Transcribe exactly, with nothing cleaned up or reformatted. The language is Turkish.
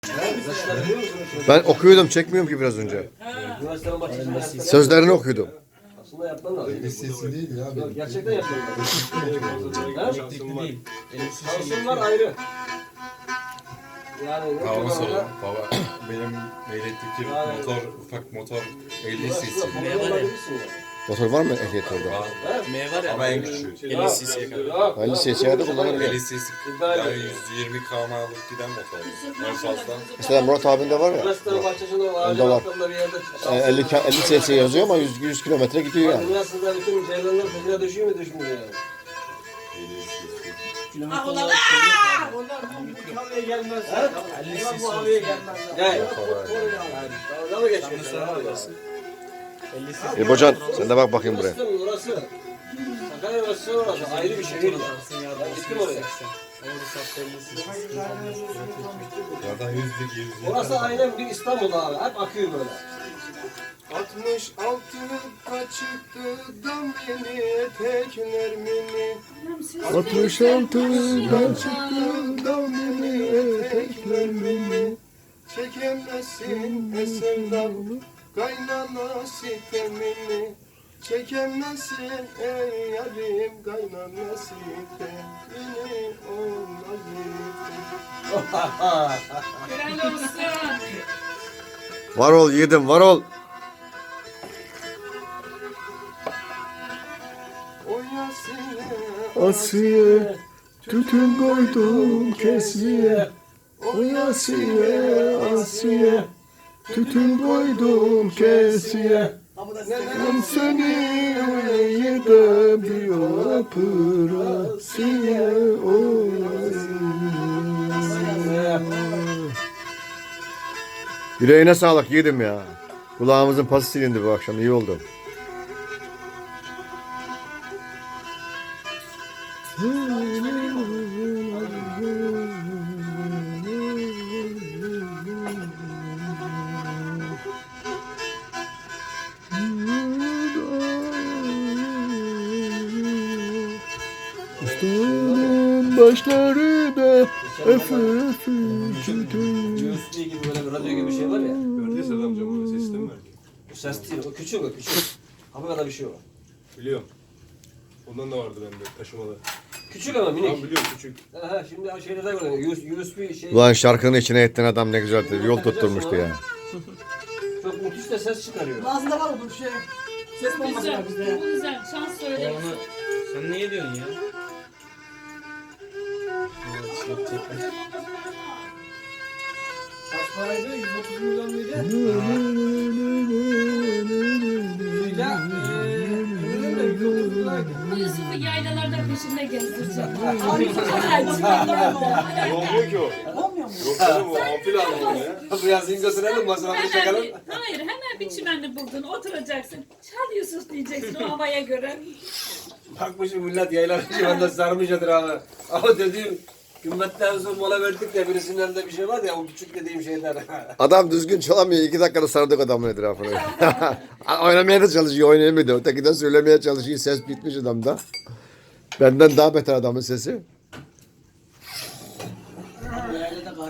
Ben okuyordum, çekmiyorum ki biraz önce. Sözlerini okuyordum. Aslında yapman lazım. El sesi değil ya. Yok, gerçekten yapman lazım. Elektrikli değil. Şansın var ayrı. Yani ne Babama kadar soralım. da- Baba benim elektrikli Aynen. motor, ufak motor elli cc. Aslında Ne babaya var ya? olabilirsin yani. Motor var mı ehliyet orada? Var. M var ya. Ama en küçüğü. elli cc'ye kadar. Yok, elli yok, cc'ye de yok. kullanabilir. elli cc yani yüz yirmi kilometrelik giden motor. En fazla. Mesela Murat abinde var ya. Üniversitenin bahçesinde o ağacın Onda var. altında bir yerde. e, elli ka- elli cc yazıyor ama yüz yüz kilometre gidiyor yani. Üniversitede bütün ceylanlar peşine düşüyor mu düşmüyor yani? Ah ulan aaa! Onlar bu havaya gelmez. Onlar bu havaya gelmez. Gel. Dalga mı geçiyorsun? elli cc. İbocan sen de bak bakayım buraya. Orası, orası. Sakarya orası orası. Ayrı bir şehir ya. Ben gittim oraya. Zaten yüzlük yüz. Orası aynen bir İstanbul abi. Hep akıyor böyle. altmış altı kaçıktı dam yeni tekler mini. altmış altı kaçıktı dam yeni tekler mini. Çekemezsin eserden kaynana sitemini. Çekemezsin ey yarim kaynana sitemini. Helal olsun. Var ol yiğidim, var ol. Asiye, tütün koydum kesiye. O Asiye, Asiye, tütün koydum kesiye. Ben seni yedim diyor pırasiye. Yüreğine sağlık yiğidim ya. Kulağımızın pası silindi bu akşam, iyi oldu. Üstünün başları da öfü öfü tütün. U S B gibi böyle bir radyo gibi bir şey var ya. Gördüğü Sedat amca burada ses sistemi var. O ses değil. O küçük o küçük. Hafif kadar bir şey o. Biliyorum. Ondan da vardı bende taşımada. Küçük ama Tamam minik. biliyorum küçük. Aha, şimdi şeylerde görüyorum. U S B şey. Ulan şarkının içine ettin adam ne güzeldi. Yol tutturmuştu ya. Çok müthiş de ses çıkarıyor. Ağzında var bu şey. Ses bombası Güzel, var bizde. bu güzel. Şans söyle. Ya onu sen niye diyorsun ya? Kaç paraydı? yüz otuz milyon muydu? Ya, eee, öyle de yüz otuz liraydı. Bu Yusuf'u yaylalarda peşinde gezdireceğim. Abi, Olmuyor ki o. olmuyor mu? Yok canım o ampul almalı ya. Bu yazın götürelim masrafını Hemen çakalım. bir, hayır, hemen bir çimenli buldun, oturacaksın. Çal Yusuf diyeceksin o havaya göre. Bakmışım millet yaylar civanda sarmışadır abi. Ama dediğim gümmetten sonra mola verdik de birisinin elinde bir şey var ya o küçük dediğim şeyler. Adam düzgün çalamıyor. İki dakikada sardık adamın etrafını. Oynamaya da çalışıyor, oynayamıyor da. Öteki de söylemeye çalışıyor. Ses bitmiş adamda. Benden daha beter adamın sesi.